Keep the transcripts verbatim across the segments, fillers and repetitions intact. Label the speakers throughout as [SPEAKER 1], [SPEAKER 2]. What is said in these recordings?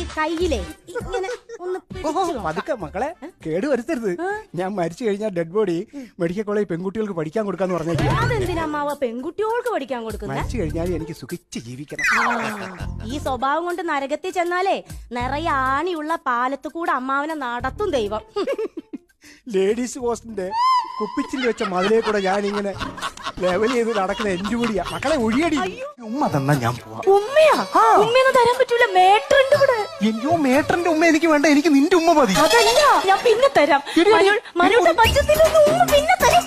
[SPEAKER 1] കയ്യിലേ ഇങ്ങനെ ഒന്ന്
[SPEAKER 2] പതുക്കെ മക്കളെ കേട് വരുത്തരുത്. ഞാൻ മരിച്ചു കഴിഞ്ഞാൽ ഡെഡ് ബോഡി മെഡിക്കൽ കോളേജ് പെൺകുട്ടികൾക്ക് പഠിക്കാൻ കൊടുക്കാന്ന് പറഞ്ഞില്ല.
[SPEAKER 1] അതെന്തിനാ അമ്മാവ പെൺകുട്ടികൾക്ക് പഠിക്കാൻ കൊടുക്കുന്നത്?
[SPEAKER 2] മരിച്ചു കഴിഞ്ഞാൽ എനിക്ക് സുഖിച്ച് ജീവിക്കണം.
[SPEAKER 1] ഈ സ്വഭാവം കൊണ്ട് നരകത്തിൽ ചെന്നാലേ നിറയെ ആണിയുള്ള പാലത്ത് കൂടെ അമ്മാവനെ നടത്തും ദൈവം.
[SPEAKER 2] ലേഡീസ് ഹോസ്റ്റലിന്റെ കുപ്പിച്ചിൽ വെച്ച മതിലേ കൂടെ ഞാൻ ഇങ്ങനെ ലെവൽ ചെയ്ത് നടക്കുന്ന എന്റെ കൂടിയാ. മക്കളെ ഒഴിയടി. ഉമ്മ തന്നാ ഞാൻ പോവാം.
[SPEAKER 1] ഉമ്മയാ? ഉമ്മയൊന്നും തരാൻ പറ്റൂല, മേട്ടറിന്റെ കൂടെ.
[SPEAKER 2] അയ്യോ മേട്ടറിന്റെ ഉമ്മ എനിക്ക് വേണ്ട, എനിക്ക് നിന്റെ ഉമ്മ മതി.
[SPEAKER 1] അതല്ല, ഞാൻ പിന്നെ തരാം. മനുവിന്റെ പച്ചത്തിലൊന്നും ഉമ്മ പിന്നെ തരാം.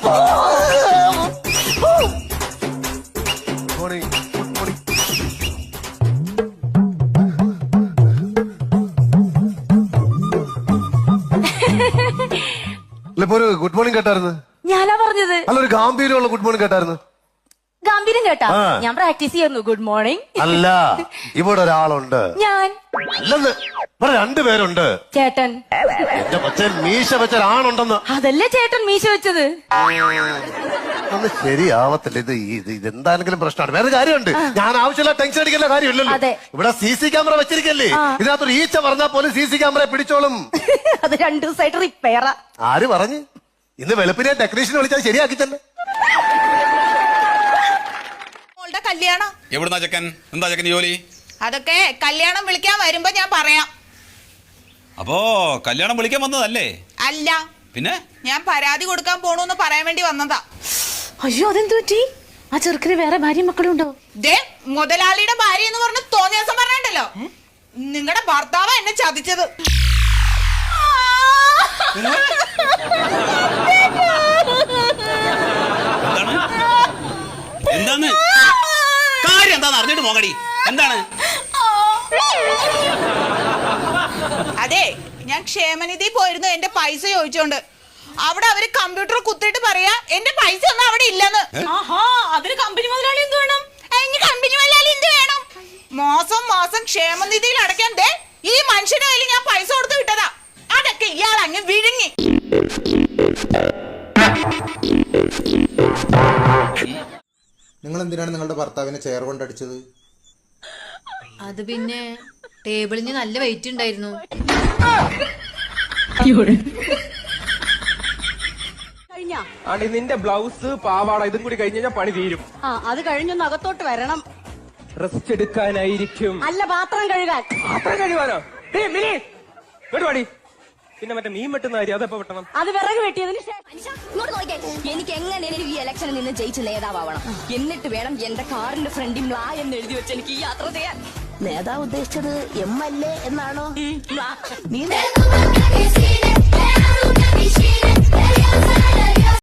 [SPEAKER 3] ഗുഡ് മോർണിംഗ് കേട്ടായിരുന്നു.
[SPEAKER 1] ഞാനാ പറഞ്ഞത്.
[SPEAKER 3] അല്ല, ഒരു ഗാംഭീര്യമുള്ള ഗുഡ് മോർണിംഗ് കേട്ടായിരുന്നു.
[SPEAKER 1] ഗംഭീരം കേട്ടാ? ഞാൻ പ്രാക്ടീസ് ചെയ്യുന്നു ഗുഡ് മോർണിംഗ്.
[SPEAKER 3] അല്ല, ഇവിടെ ഒരാളുണ്ട്.
[SPEAKER 1] ഞാൻ
[SPEAKER 3] അല്ലെന്ന് ഇവിടെ രണ്ടുപേരുണ്ട്.
[SPEAKER 1] ചേട്ടൻ.
[SPEAKER 3] എന്റെ കൊച്ചൻ മീശ വെച്ച ഒരാളുണ്ടെന്ന്.
[SPEAKER 1] അതല്ലേ ചേട്ടൻ മീശ വെച്ചത്?
[SPEAKER 3] ഒന്ന് ശരിയാവത്തില്ല ഇത്. ഇതെന്താണെങ്കിലും പ്രശ്നമാണ്. വേറെ കാര്യമുണ്ട്. ഞാൻ ആവശ്യമില്ല ടെൻഷൻ അടിക്കേണ്ട കാര്യമില്ലല്ലോ. ഇവിടെ സി സി ക്യാമറ വെച്ചിരിക്കല്ലേ, ഇതിനകത്തൊരു ഈച്ച പറഞ്ഞാൽ പോലും സി സി ക്യാമറ പിടിച്ചോളും.
[SPEAKER 1] അത് രണ്ടു ദിവസമായിട്ട് റിപ്പയറാ.
[SPEAKER 3] ആര് പറഞ്ഞു? ഇന്ന് വെളുപ്പിനെ ടെക്നീഷ്യൻ വിളിച്ചാൽ ശരിയാക്കി തന്നെ.
[SPEAKER 4] കല്യാണം
[SPEAKER 5] എവിടുന്നാ ചെക്കൻ? എന്താ ചെക്കൻ ജോലി?
[SPEAKER 4] അതൊക്കെ കല്യാണം വിളിക്കാൻ വരുമ്പോ ഞാൻ പറയാം.
[SPEAKER 5] അപ്പോ കല്യാണം വിളിക്കാൻ വന്നതല്ലേ?
[SPEAKER 4] അല്ല,
[SPEAKER 5] പിന്നെ
[SPEAKER 4] ഞാൻ പരാതി കൊടുക്കാൻ പോണൂന്ന് പറയാൻ വേണ്ടി വന്നതാ.
[SPEAKER 1] അയ്യോ, അതെന്തു പറ്റി? ആ ചെറുക്കിന് വേറെ ഭാര്യ മക്കളുണ്ടോ?
[SPEAKER 4] ദേ, മുതലാളിയുടെ ഭാര്യ എന്ന് പറഞ്ഞ് തോന്നിയ ദിവസം പറഞ്ഞിട്ടല്ലോ, നിങ്ങളുടെ ഭർത്താവ് എന്നെ ചതിച്ചത്.
[SPEAKER 5] എന്താണ് കാര്യം? എന്താന്ന് അറിഞ്ഞിട്ട് പോകടി. എന്താണ്?
[SPEAKER 4] അതെ, ഞാൻ ക്ഷേമനിധി പോയിരുന്നു എന്റെ പൈസ ചോദിച്ചോണ്ട്. അവിടെ അവര് കമ്പ്യൂട്ടർ കുത്തിയിട്ട് പറയാ എന്റെ പൈസ ഒന്നും അവിടെ ഇല്ലെന്ന്. അതിന് കമ്പനി മുതലാളി എന്ത് വേണം? കമ്പനി മുതലാളി എന്ത് വേണം? മാസം മാസം ക്ഷേമനിധിയിൽ അടയ്ക്കാൻ ദേ ഈ മനുഷ്യന്റെ കയ്യിൽ ഞാൻ പൈസ കൊടുത്ത് വിട്ടതാ. അതൊക്കെ ഇയാൾ അങ്ങ് വിഴുങ്ങി.
[SPEAKER 6] നിങ്ങൾ എന്തിനാണ് നിങ്ങളുടെ ഭർത്താവിനെ ചെയർ കൊണ്ടടിച്ചത്?
[SPEAKER 7] അത് പിന്നെ ടേബിളിന് നല്ല വെയിറ്റ് ഉണ്ടായിരുന്നു.
[SPEAKER 8] ആണ്ടി നിന്റെ ബ്ലൗസ് പാവാട ഇതും കൂടി കഴിഞ്ഞാൽ പണി തീരും.
[SPEAKER 1] ആ, അത് കഴിഞ്ഞൊന്ന് അകത്തോട്ട് വരണം.
[SPEAKER 8] റെസ്റ്റ് എടുക്കാനായിരിക്കും.
[SPEAKER 1] അല്ല, പാത്രം കഴുകാൻ.
[SPEAKER 8] പാത്രം കഴുകാനോ? കേട്ടുപാടി. പിന്നെ മറ്റേ മീൻ വെട്ടുന്ന കാര്യം അതെപ്പോ വെട്ടണം?
[SPEAKER 1] അത് വിറക് വെട്ടിയതിന്
[SPEAKER 9] എനിക്ക് എങ്ങനെയും ഈ ഇലക്ഷനിൽ നിന്ന് ജയിച്ച് നേതാവണം. എന്നിട്ട് വേണം എന്റെ കാറിന്റെ ഫ്രണ്ടിൽ മ്ലാ എന്ന് എഴുതി വെച്ച് എനിക്ക് ഈ യാത്ര ചെയ്യാൻ. നേതാവ് ഉദ്ദേശിച്ചത് എം എൽ എ എന്നാണോ? നീ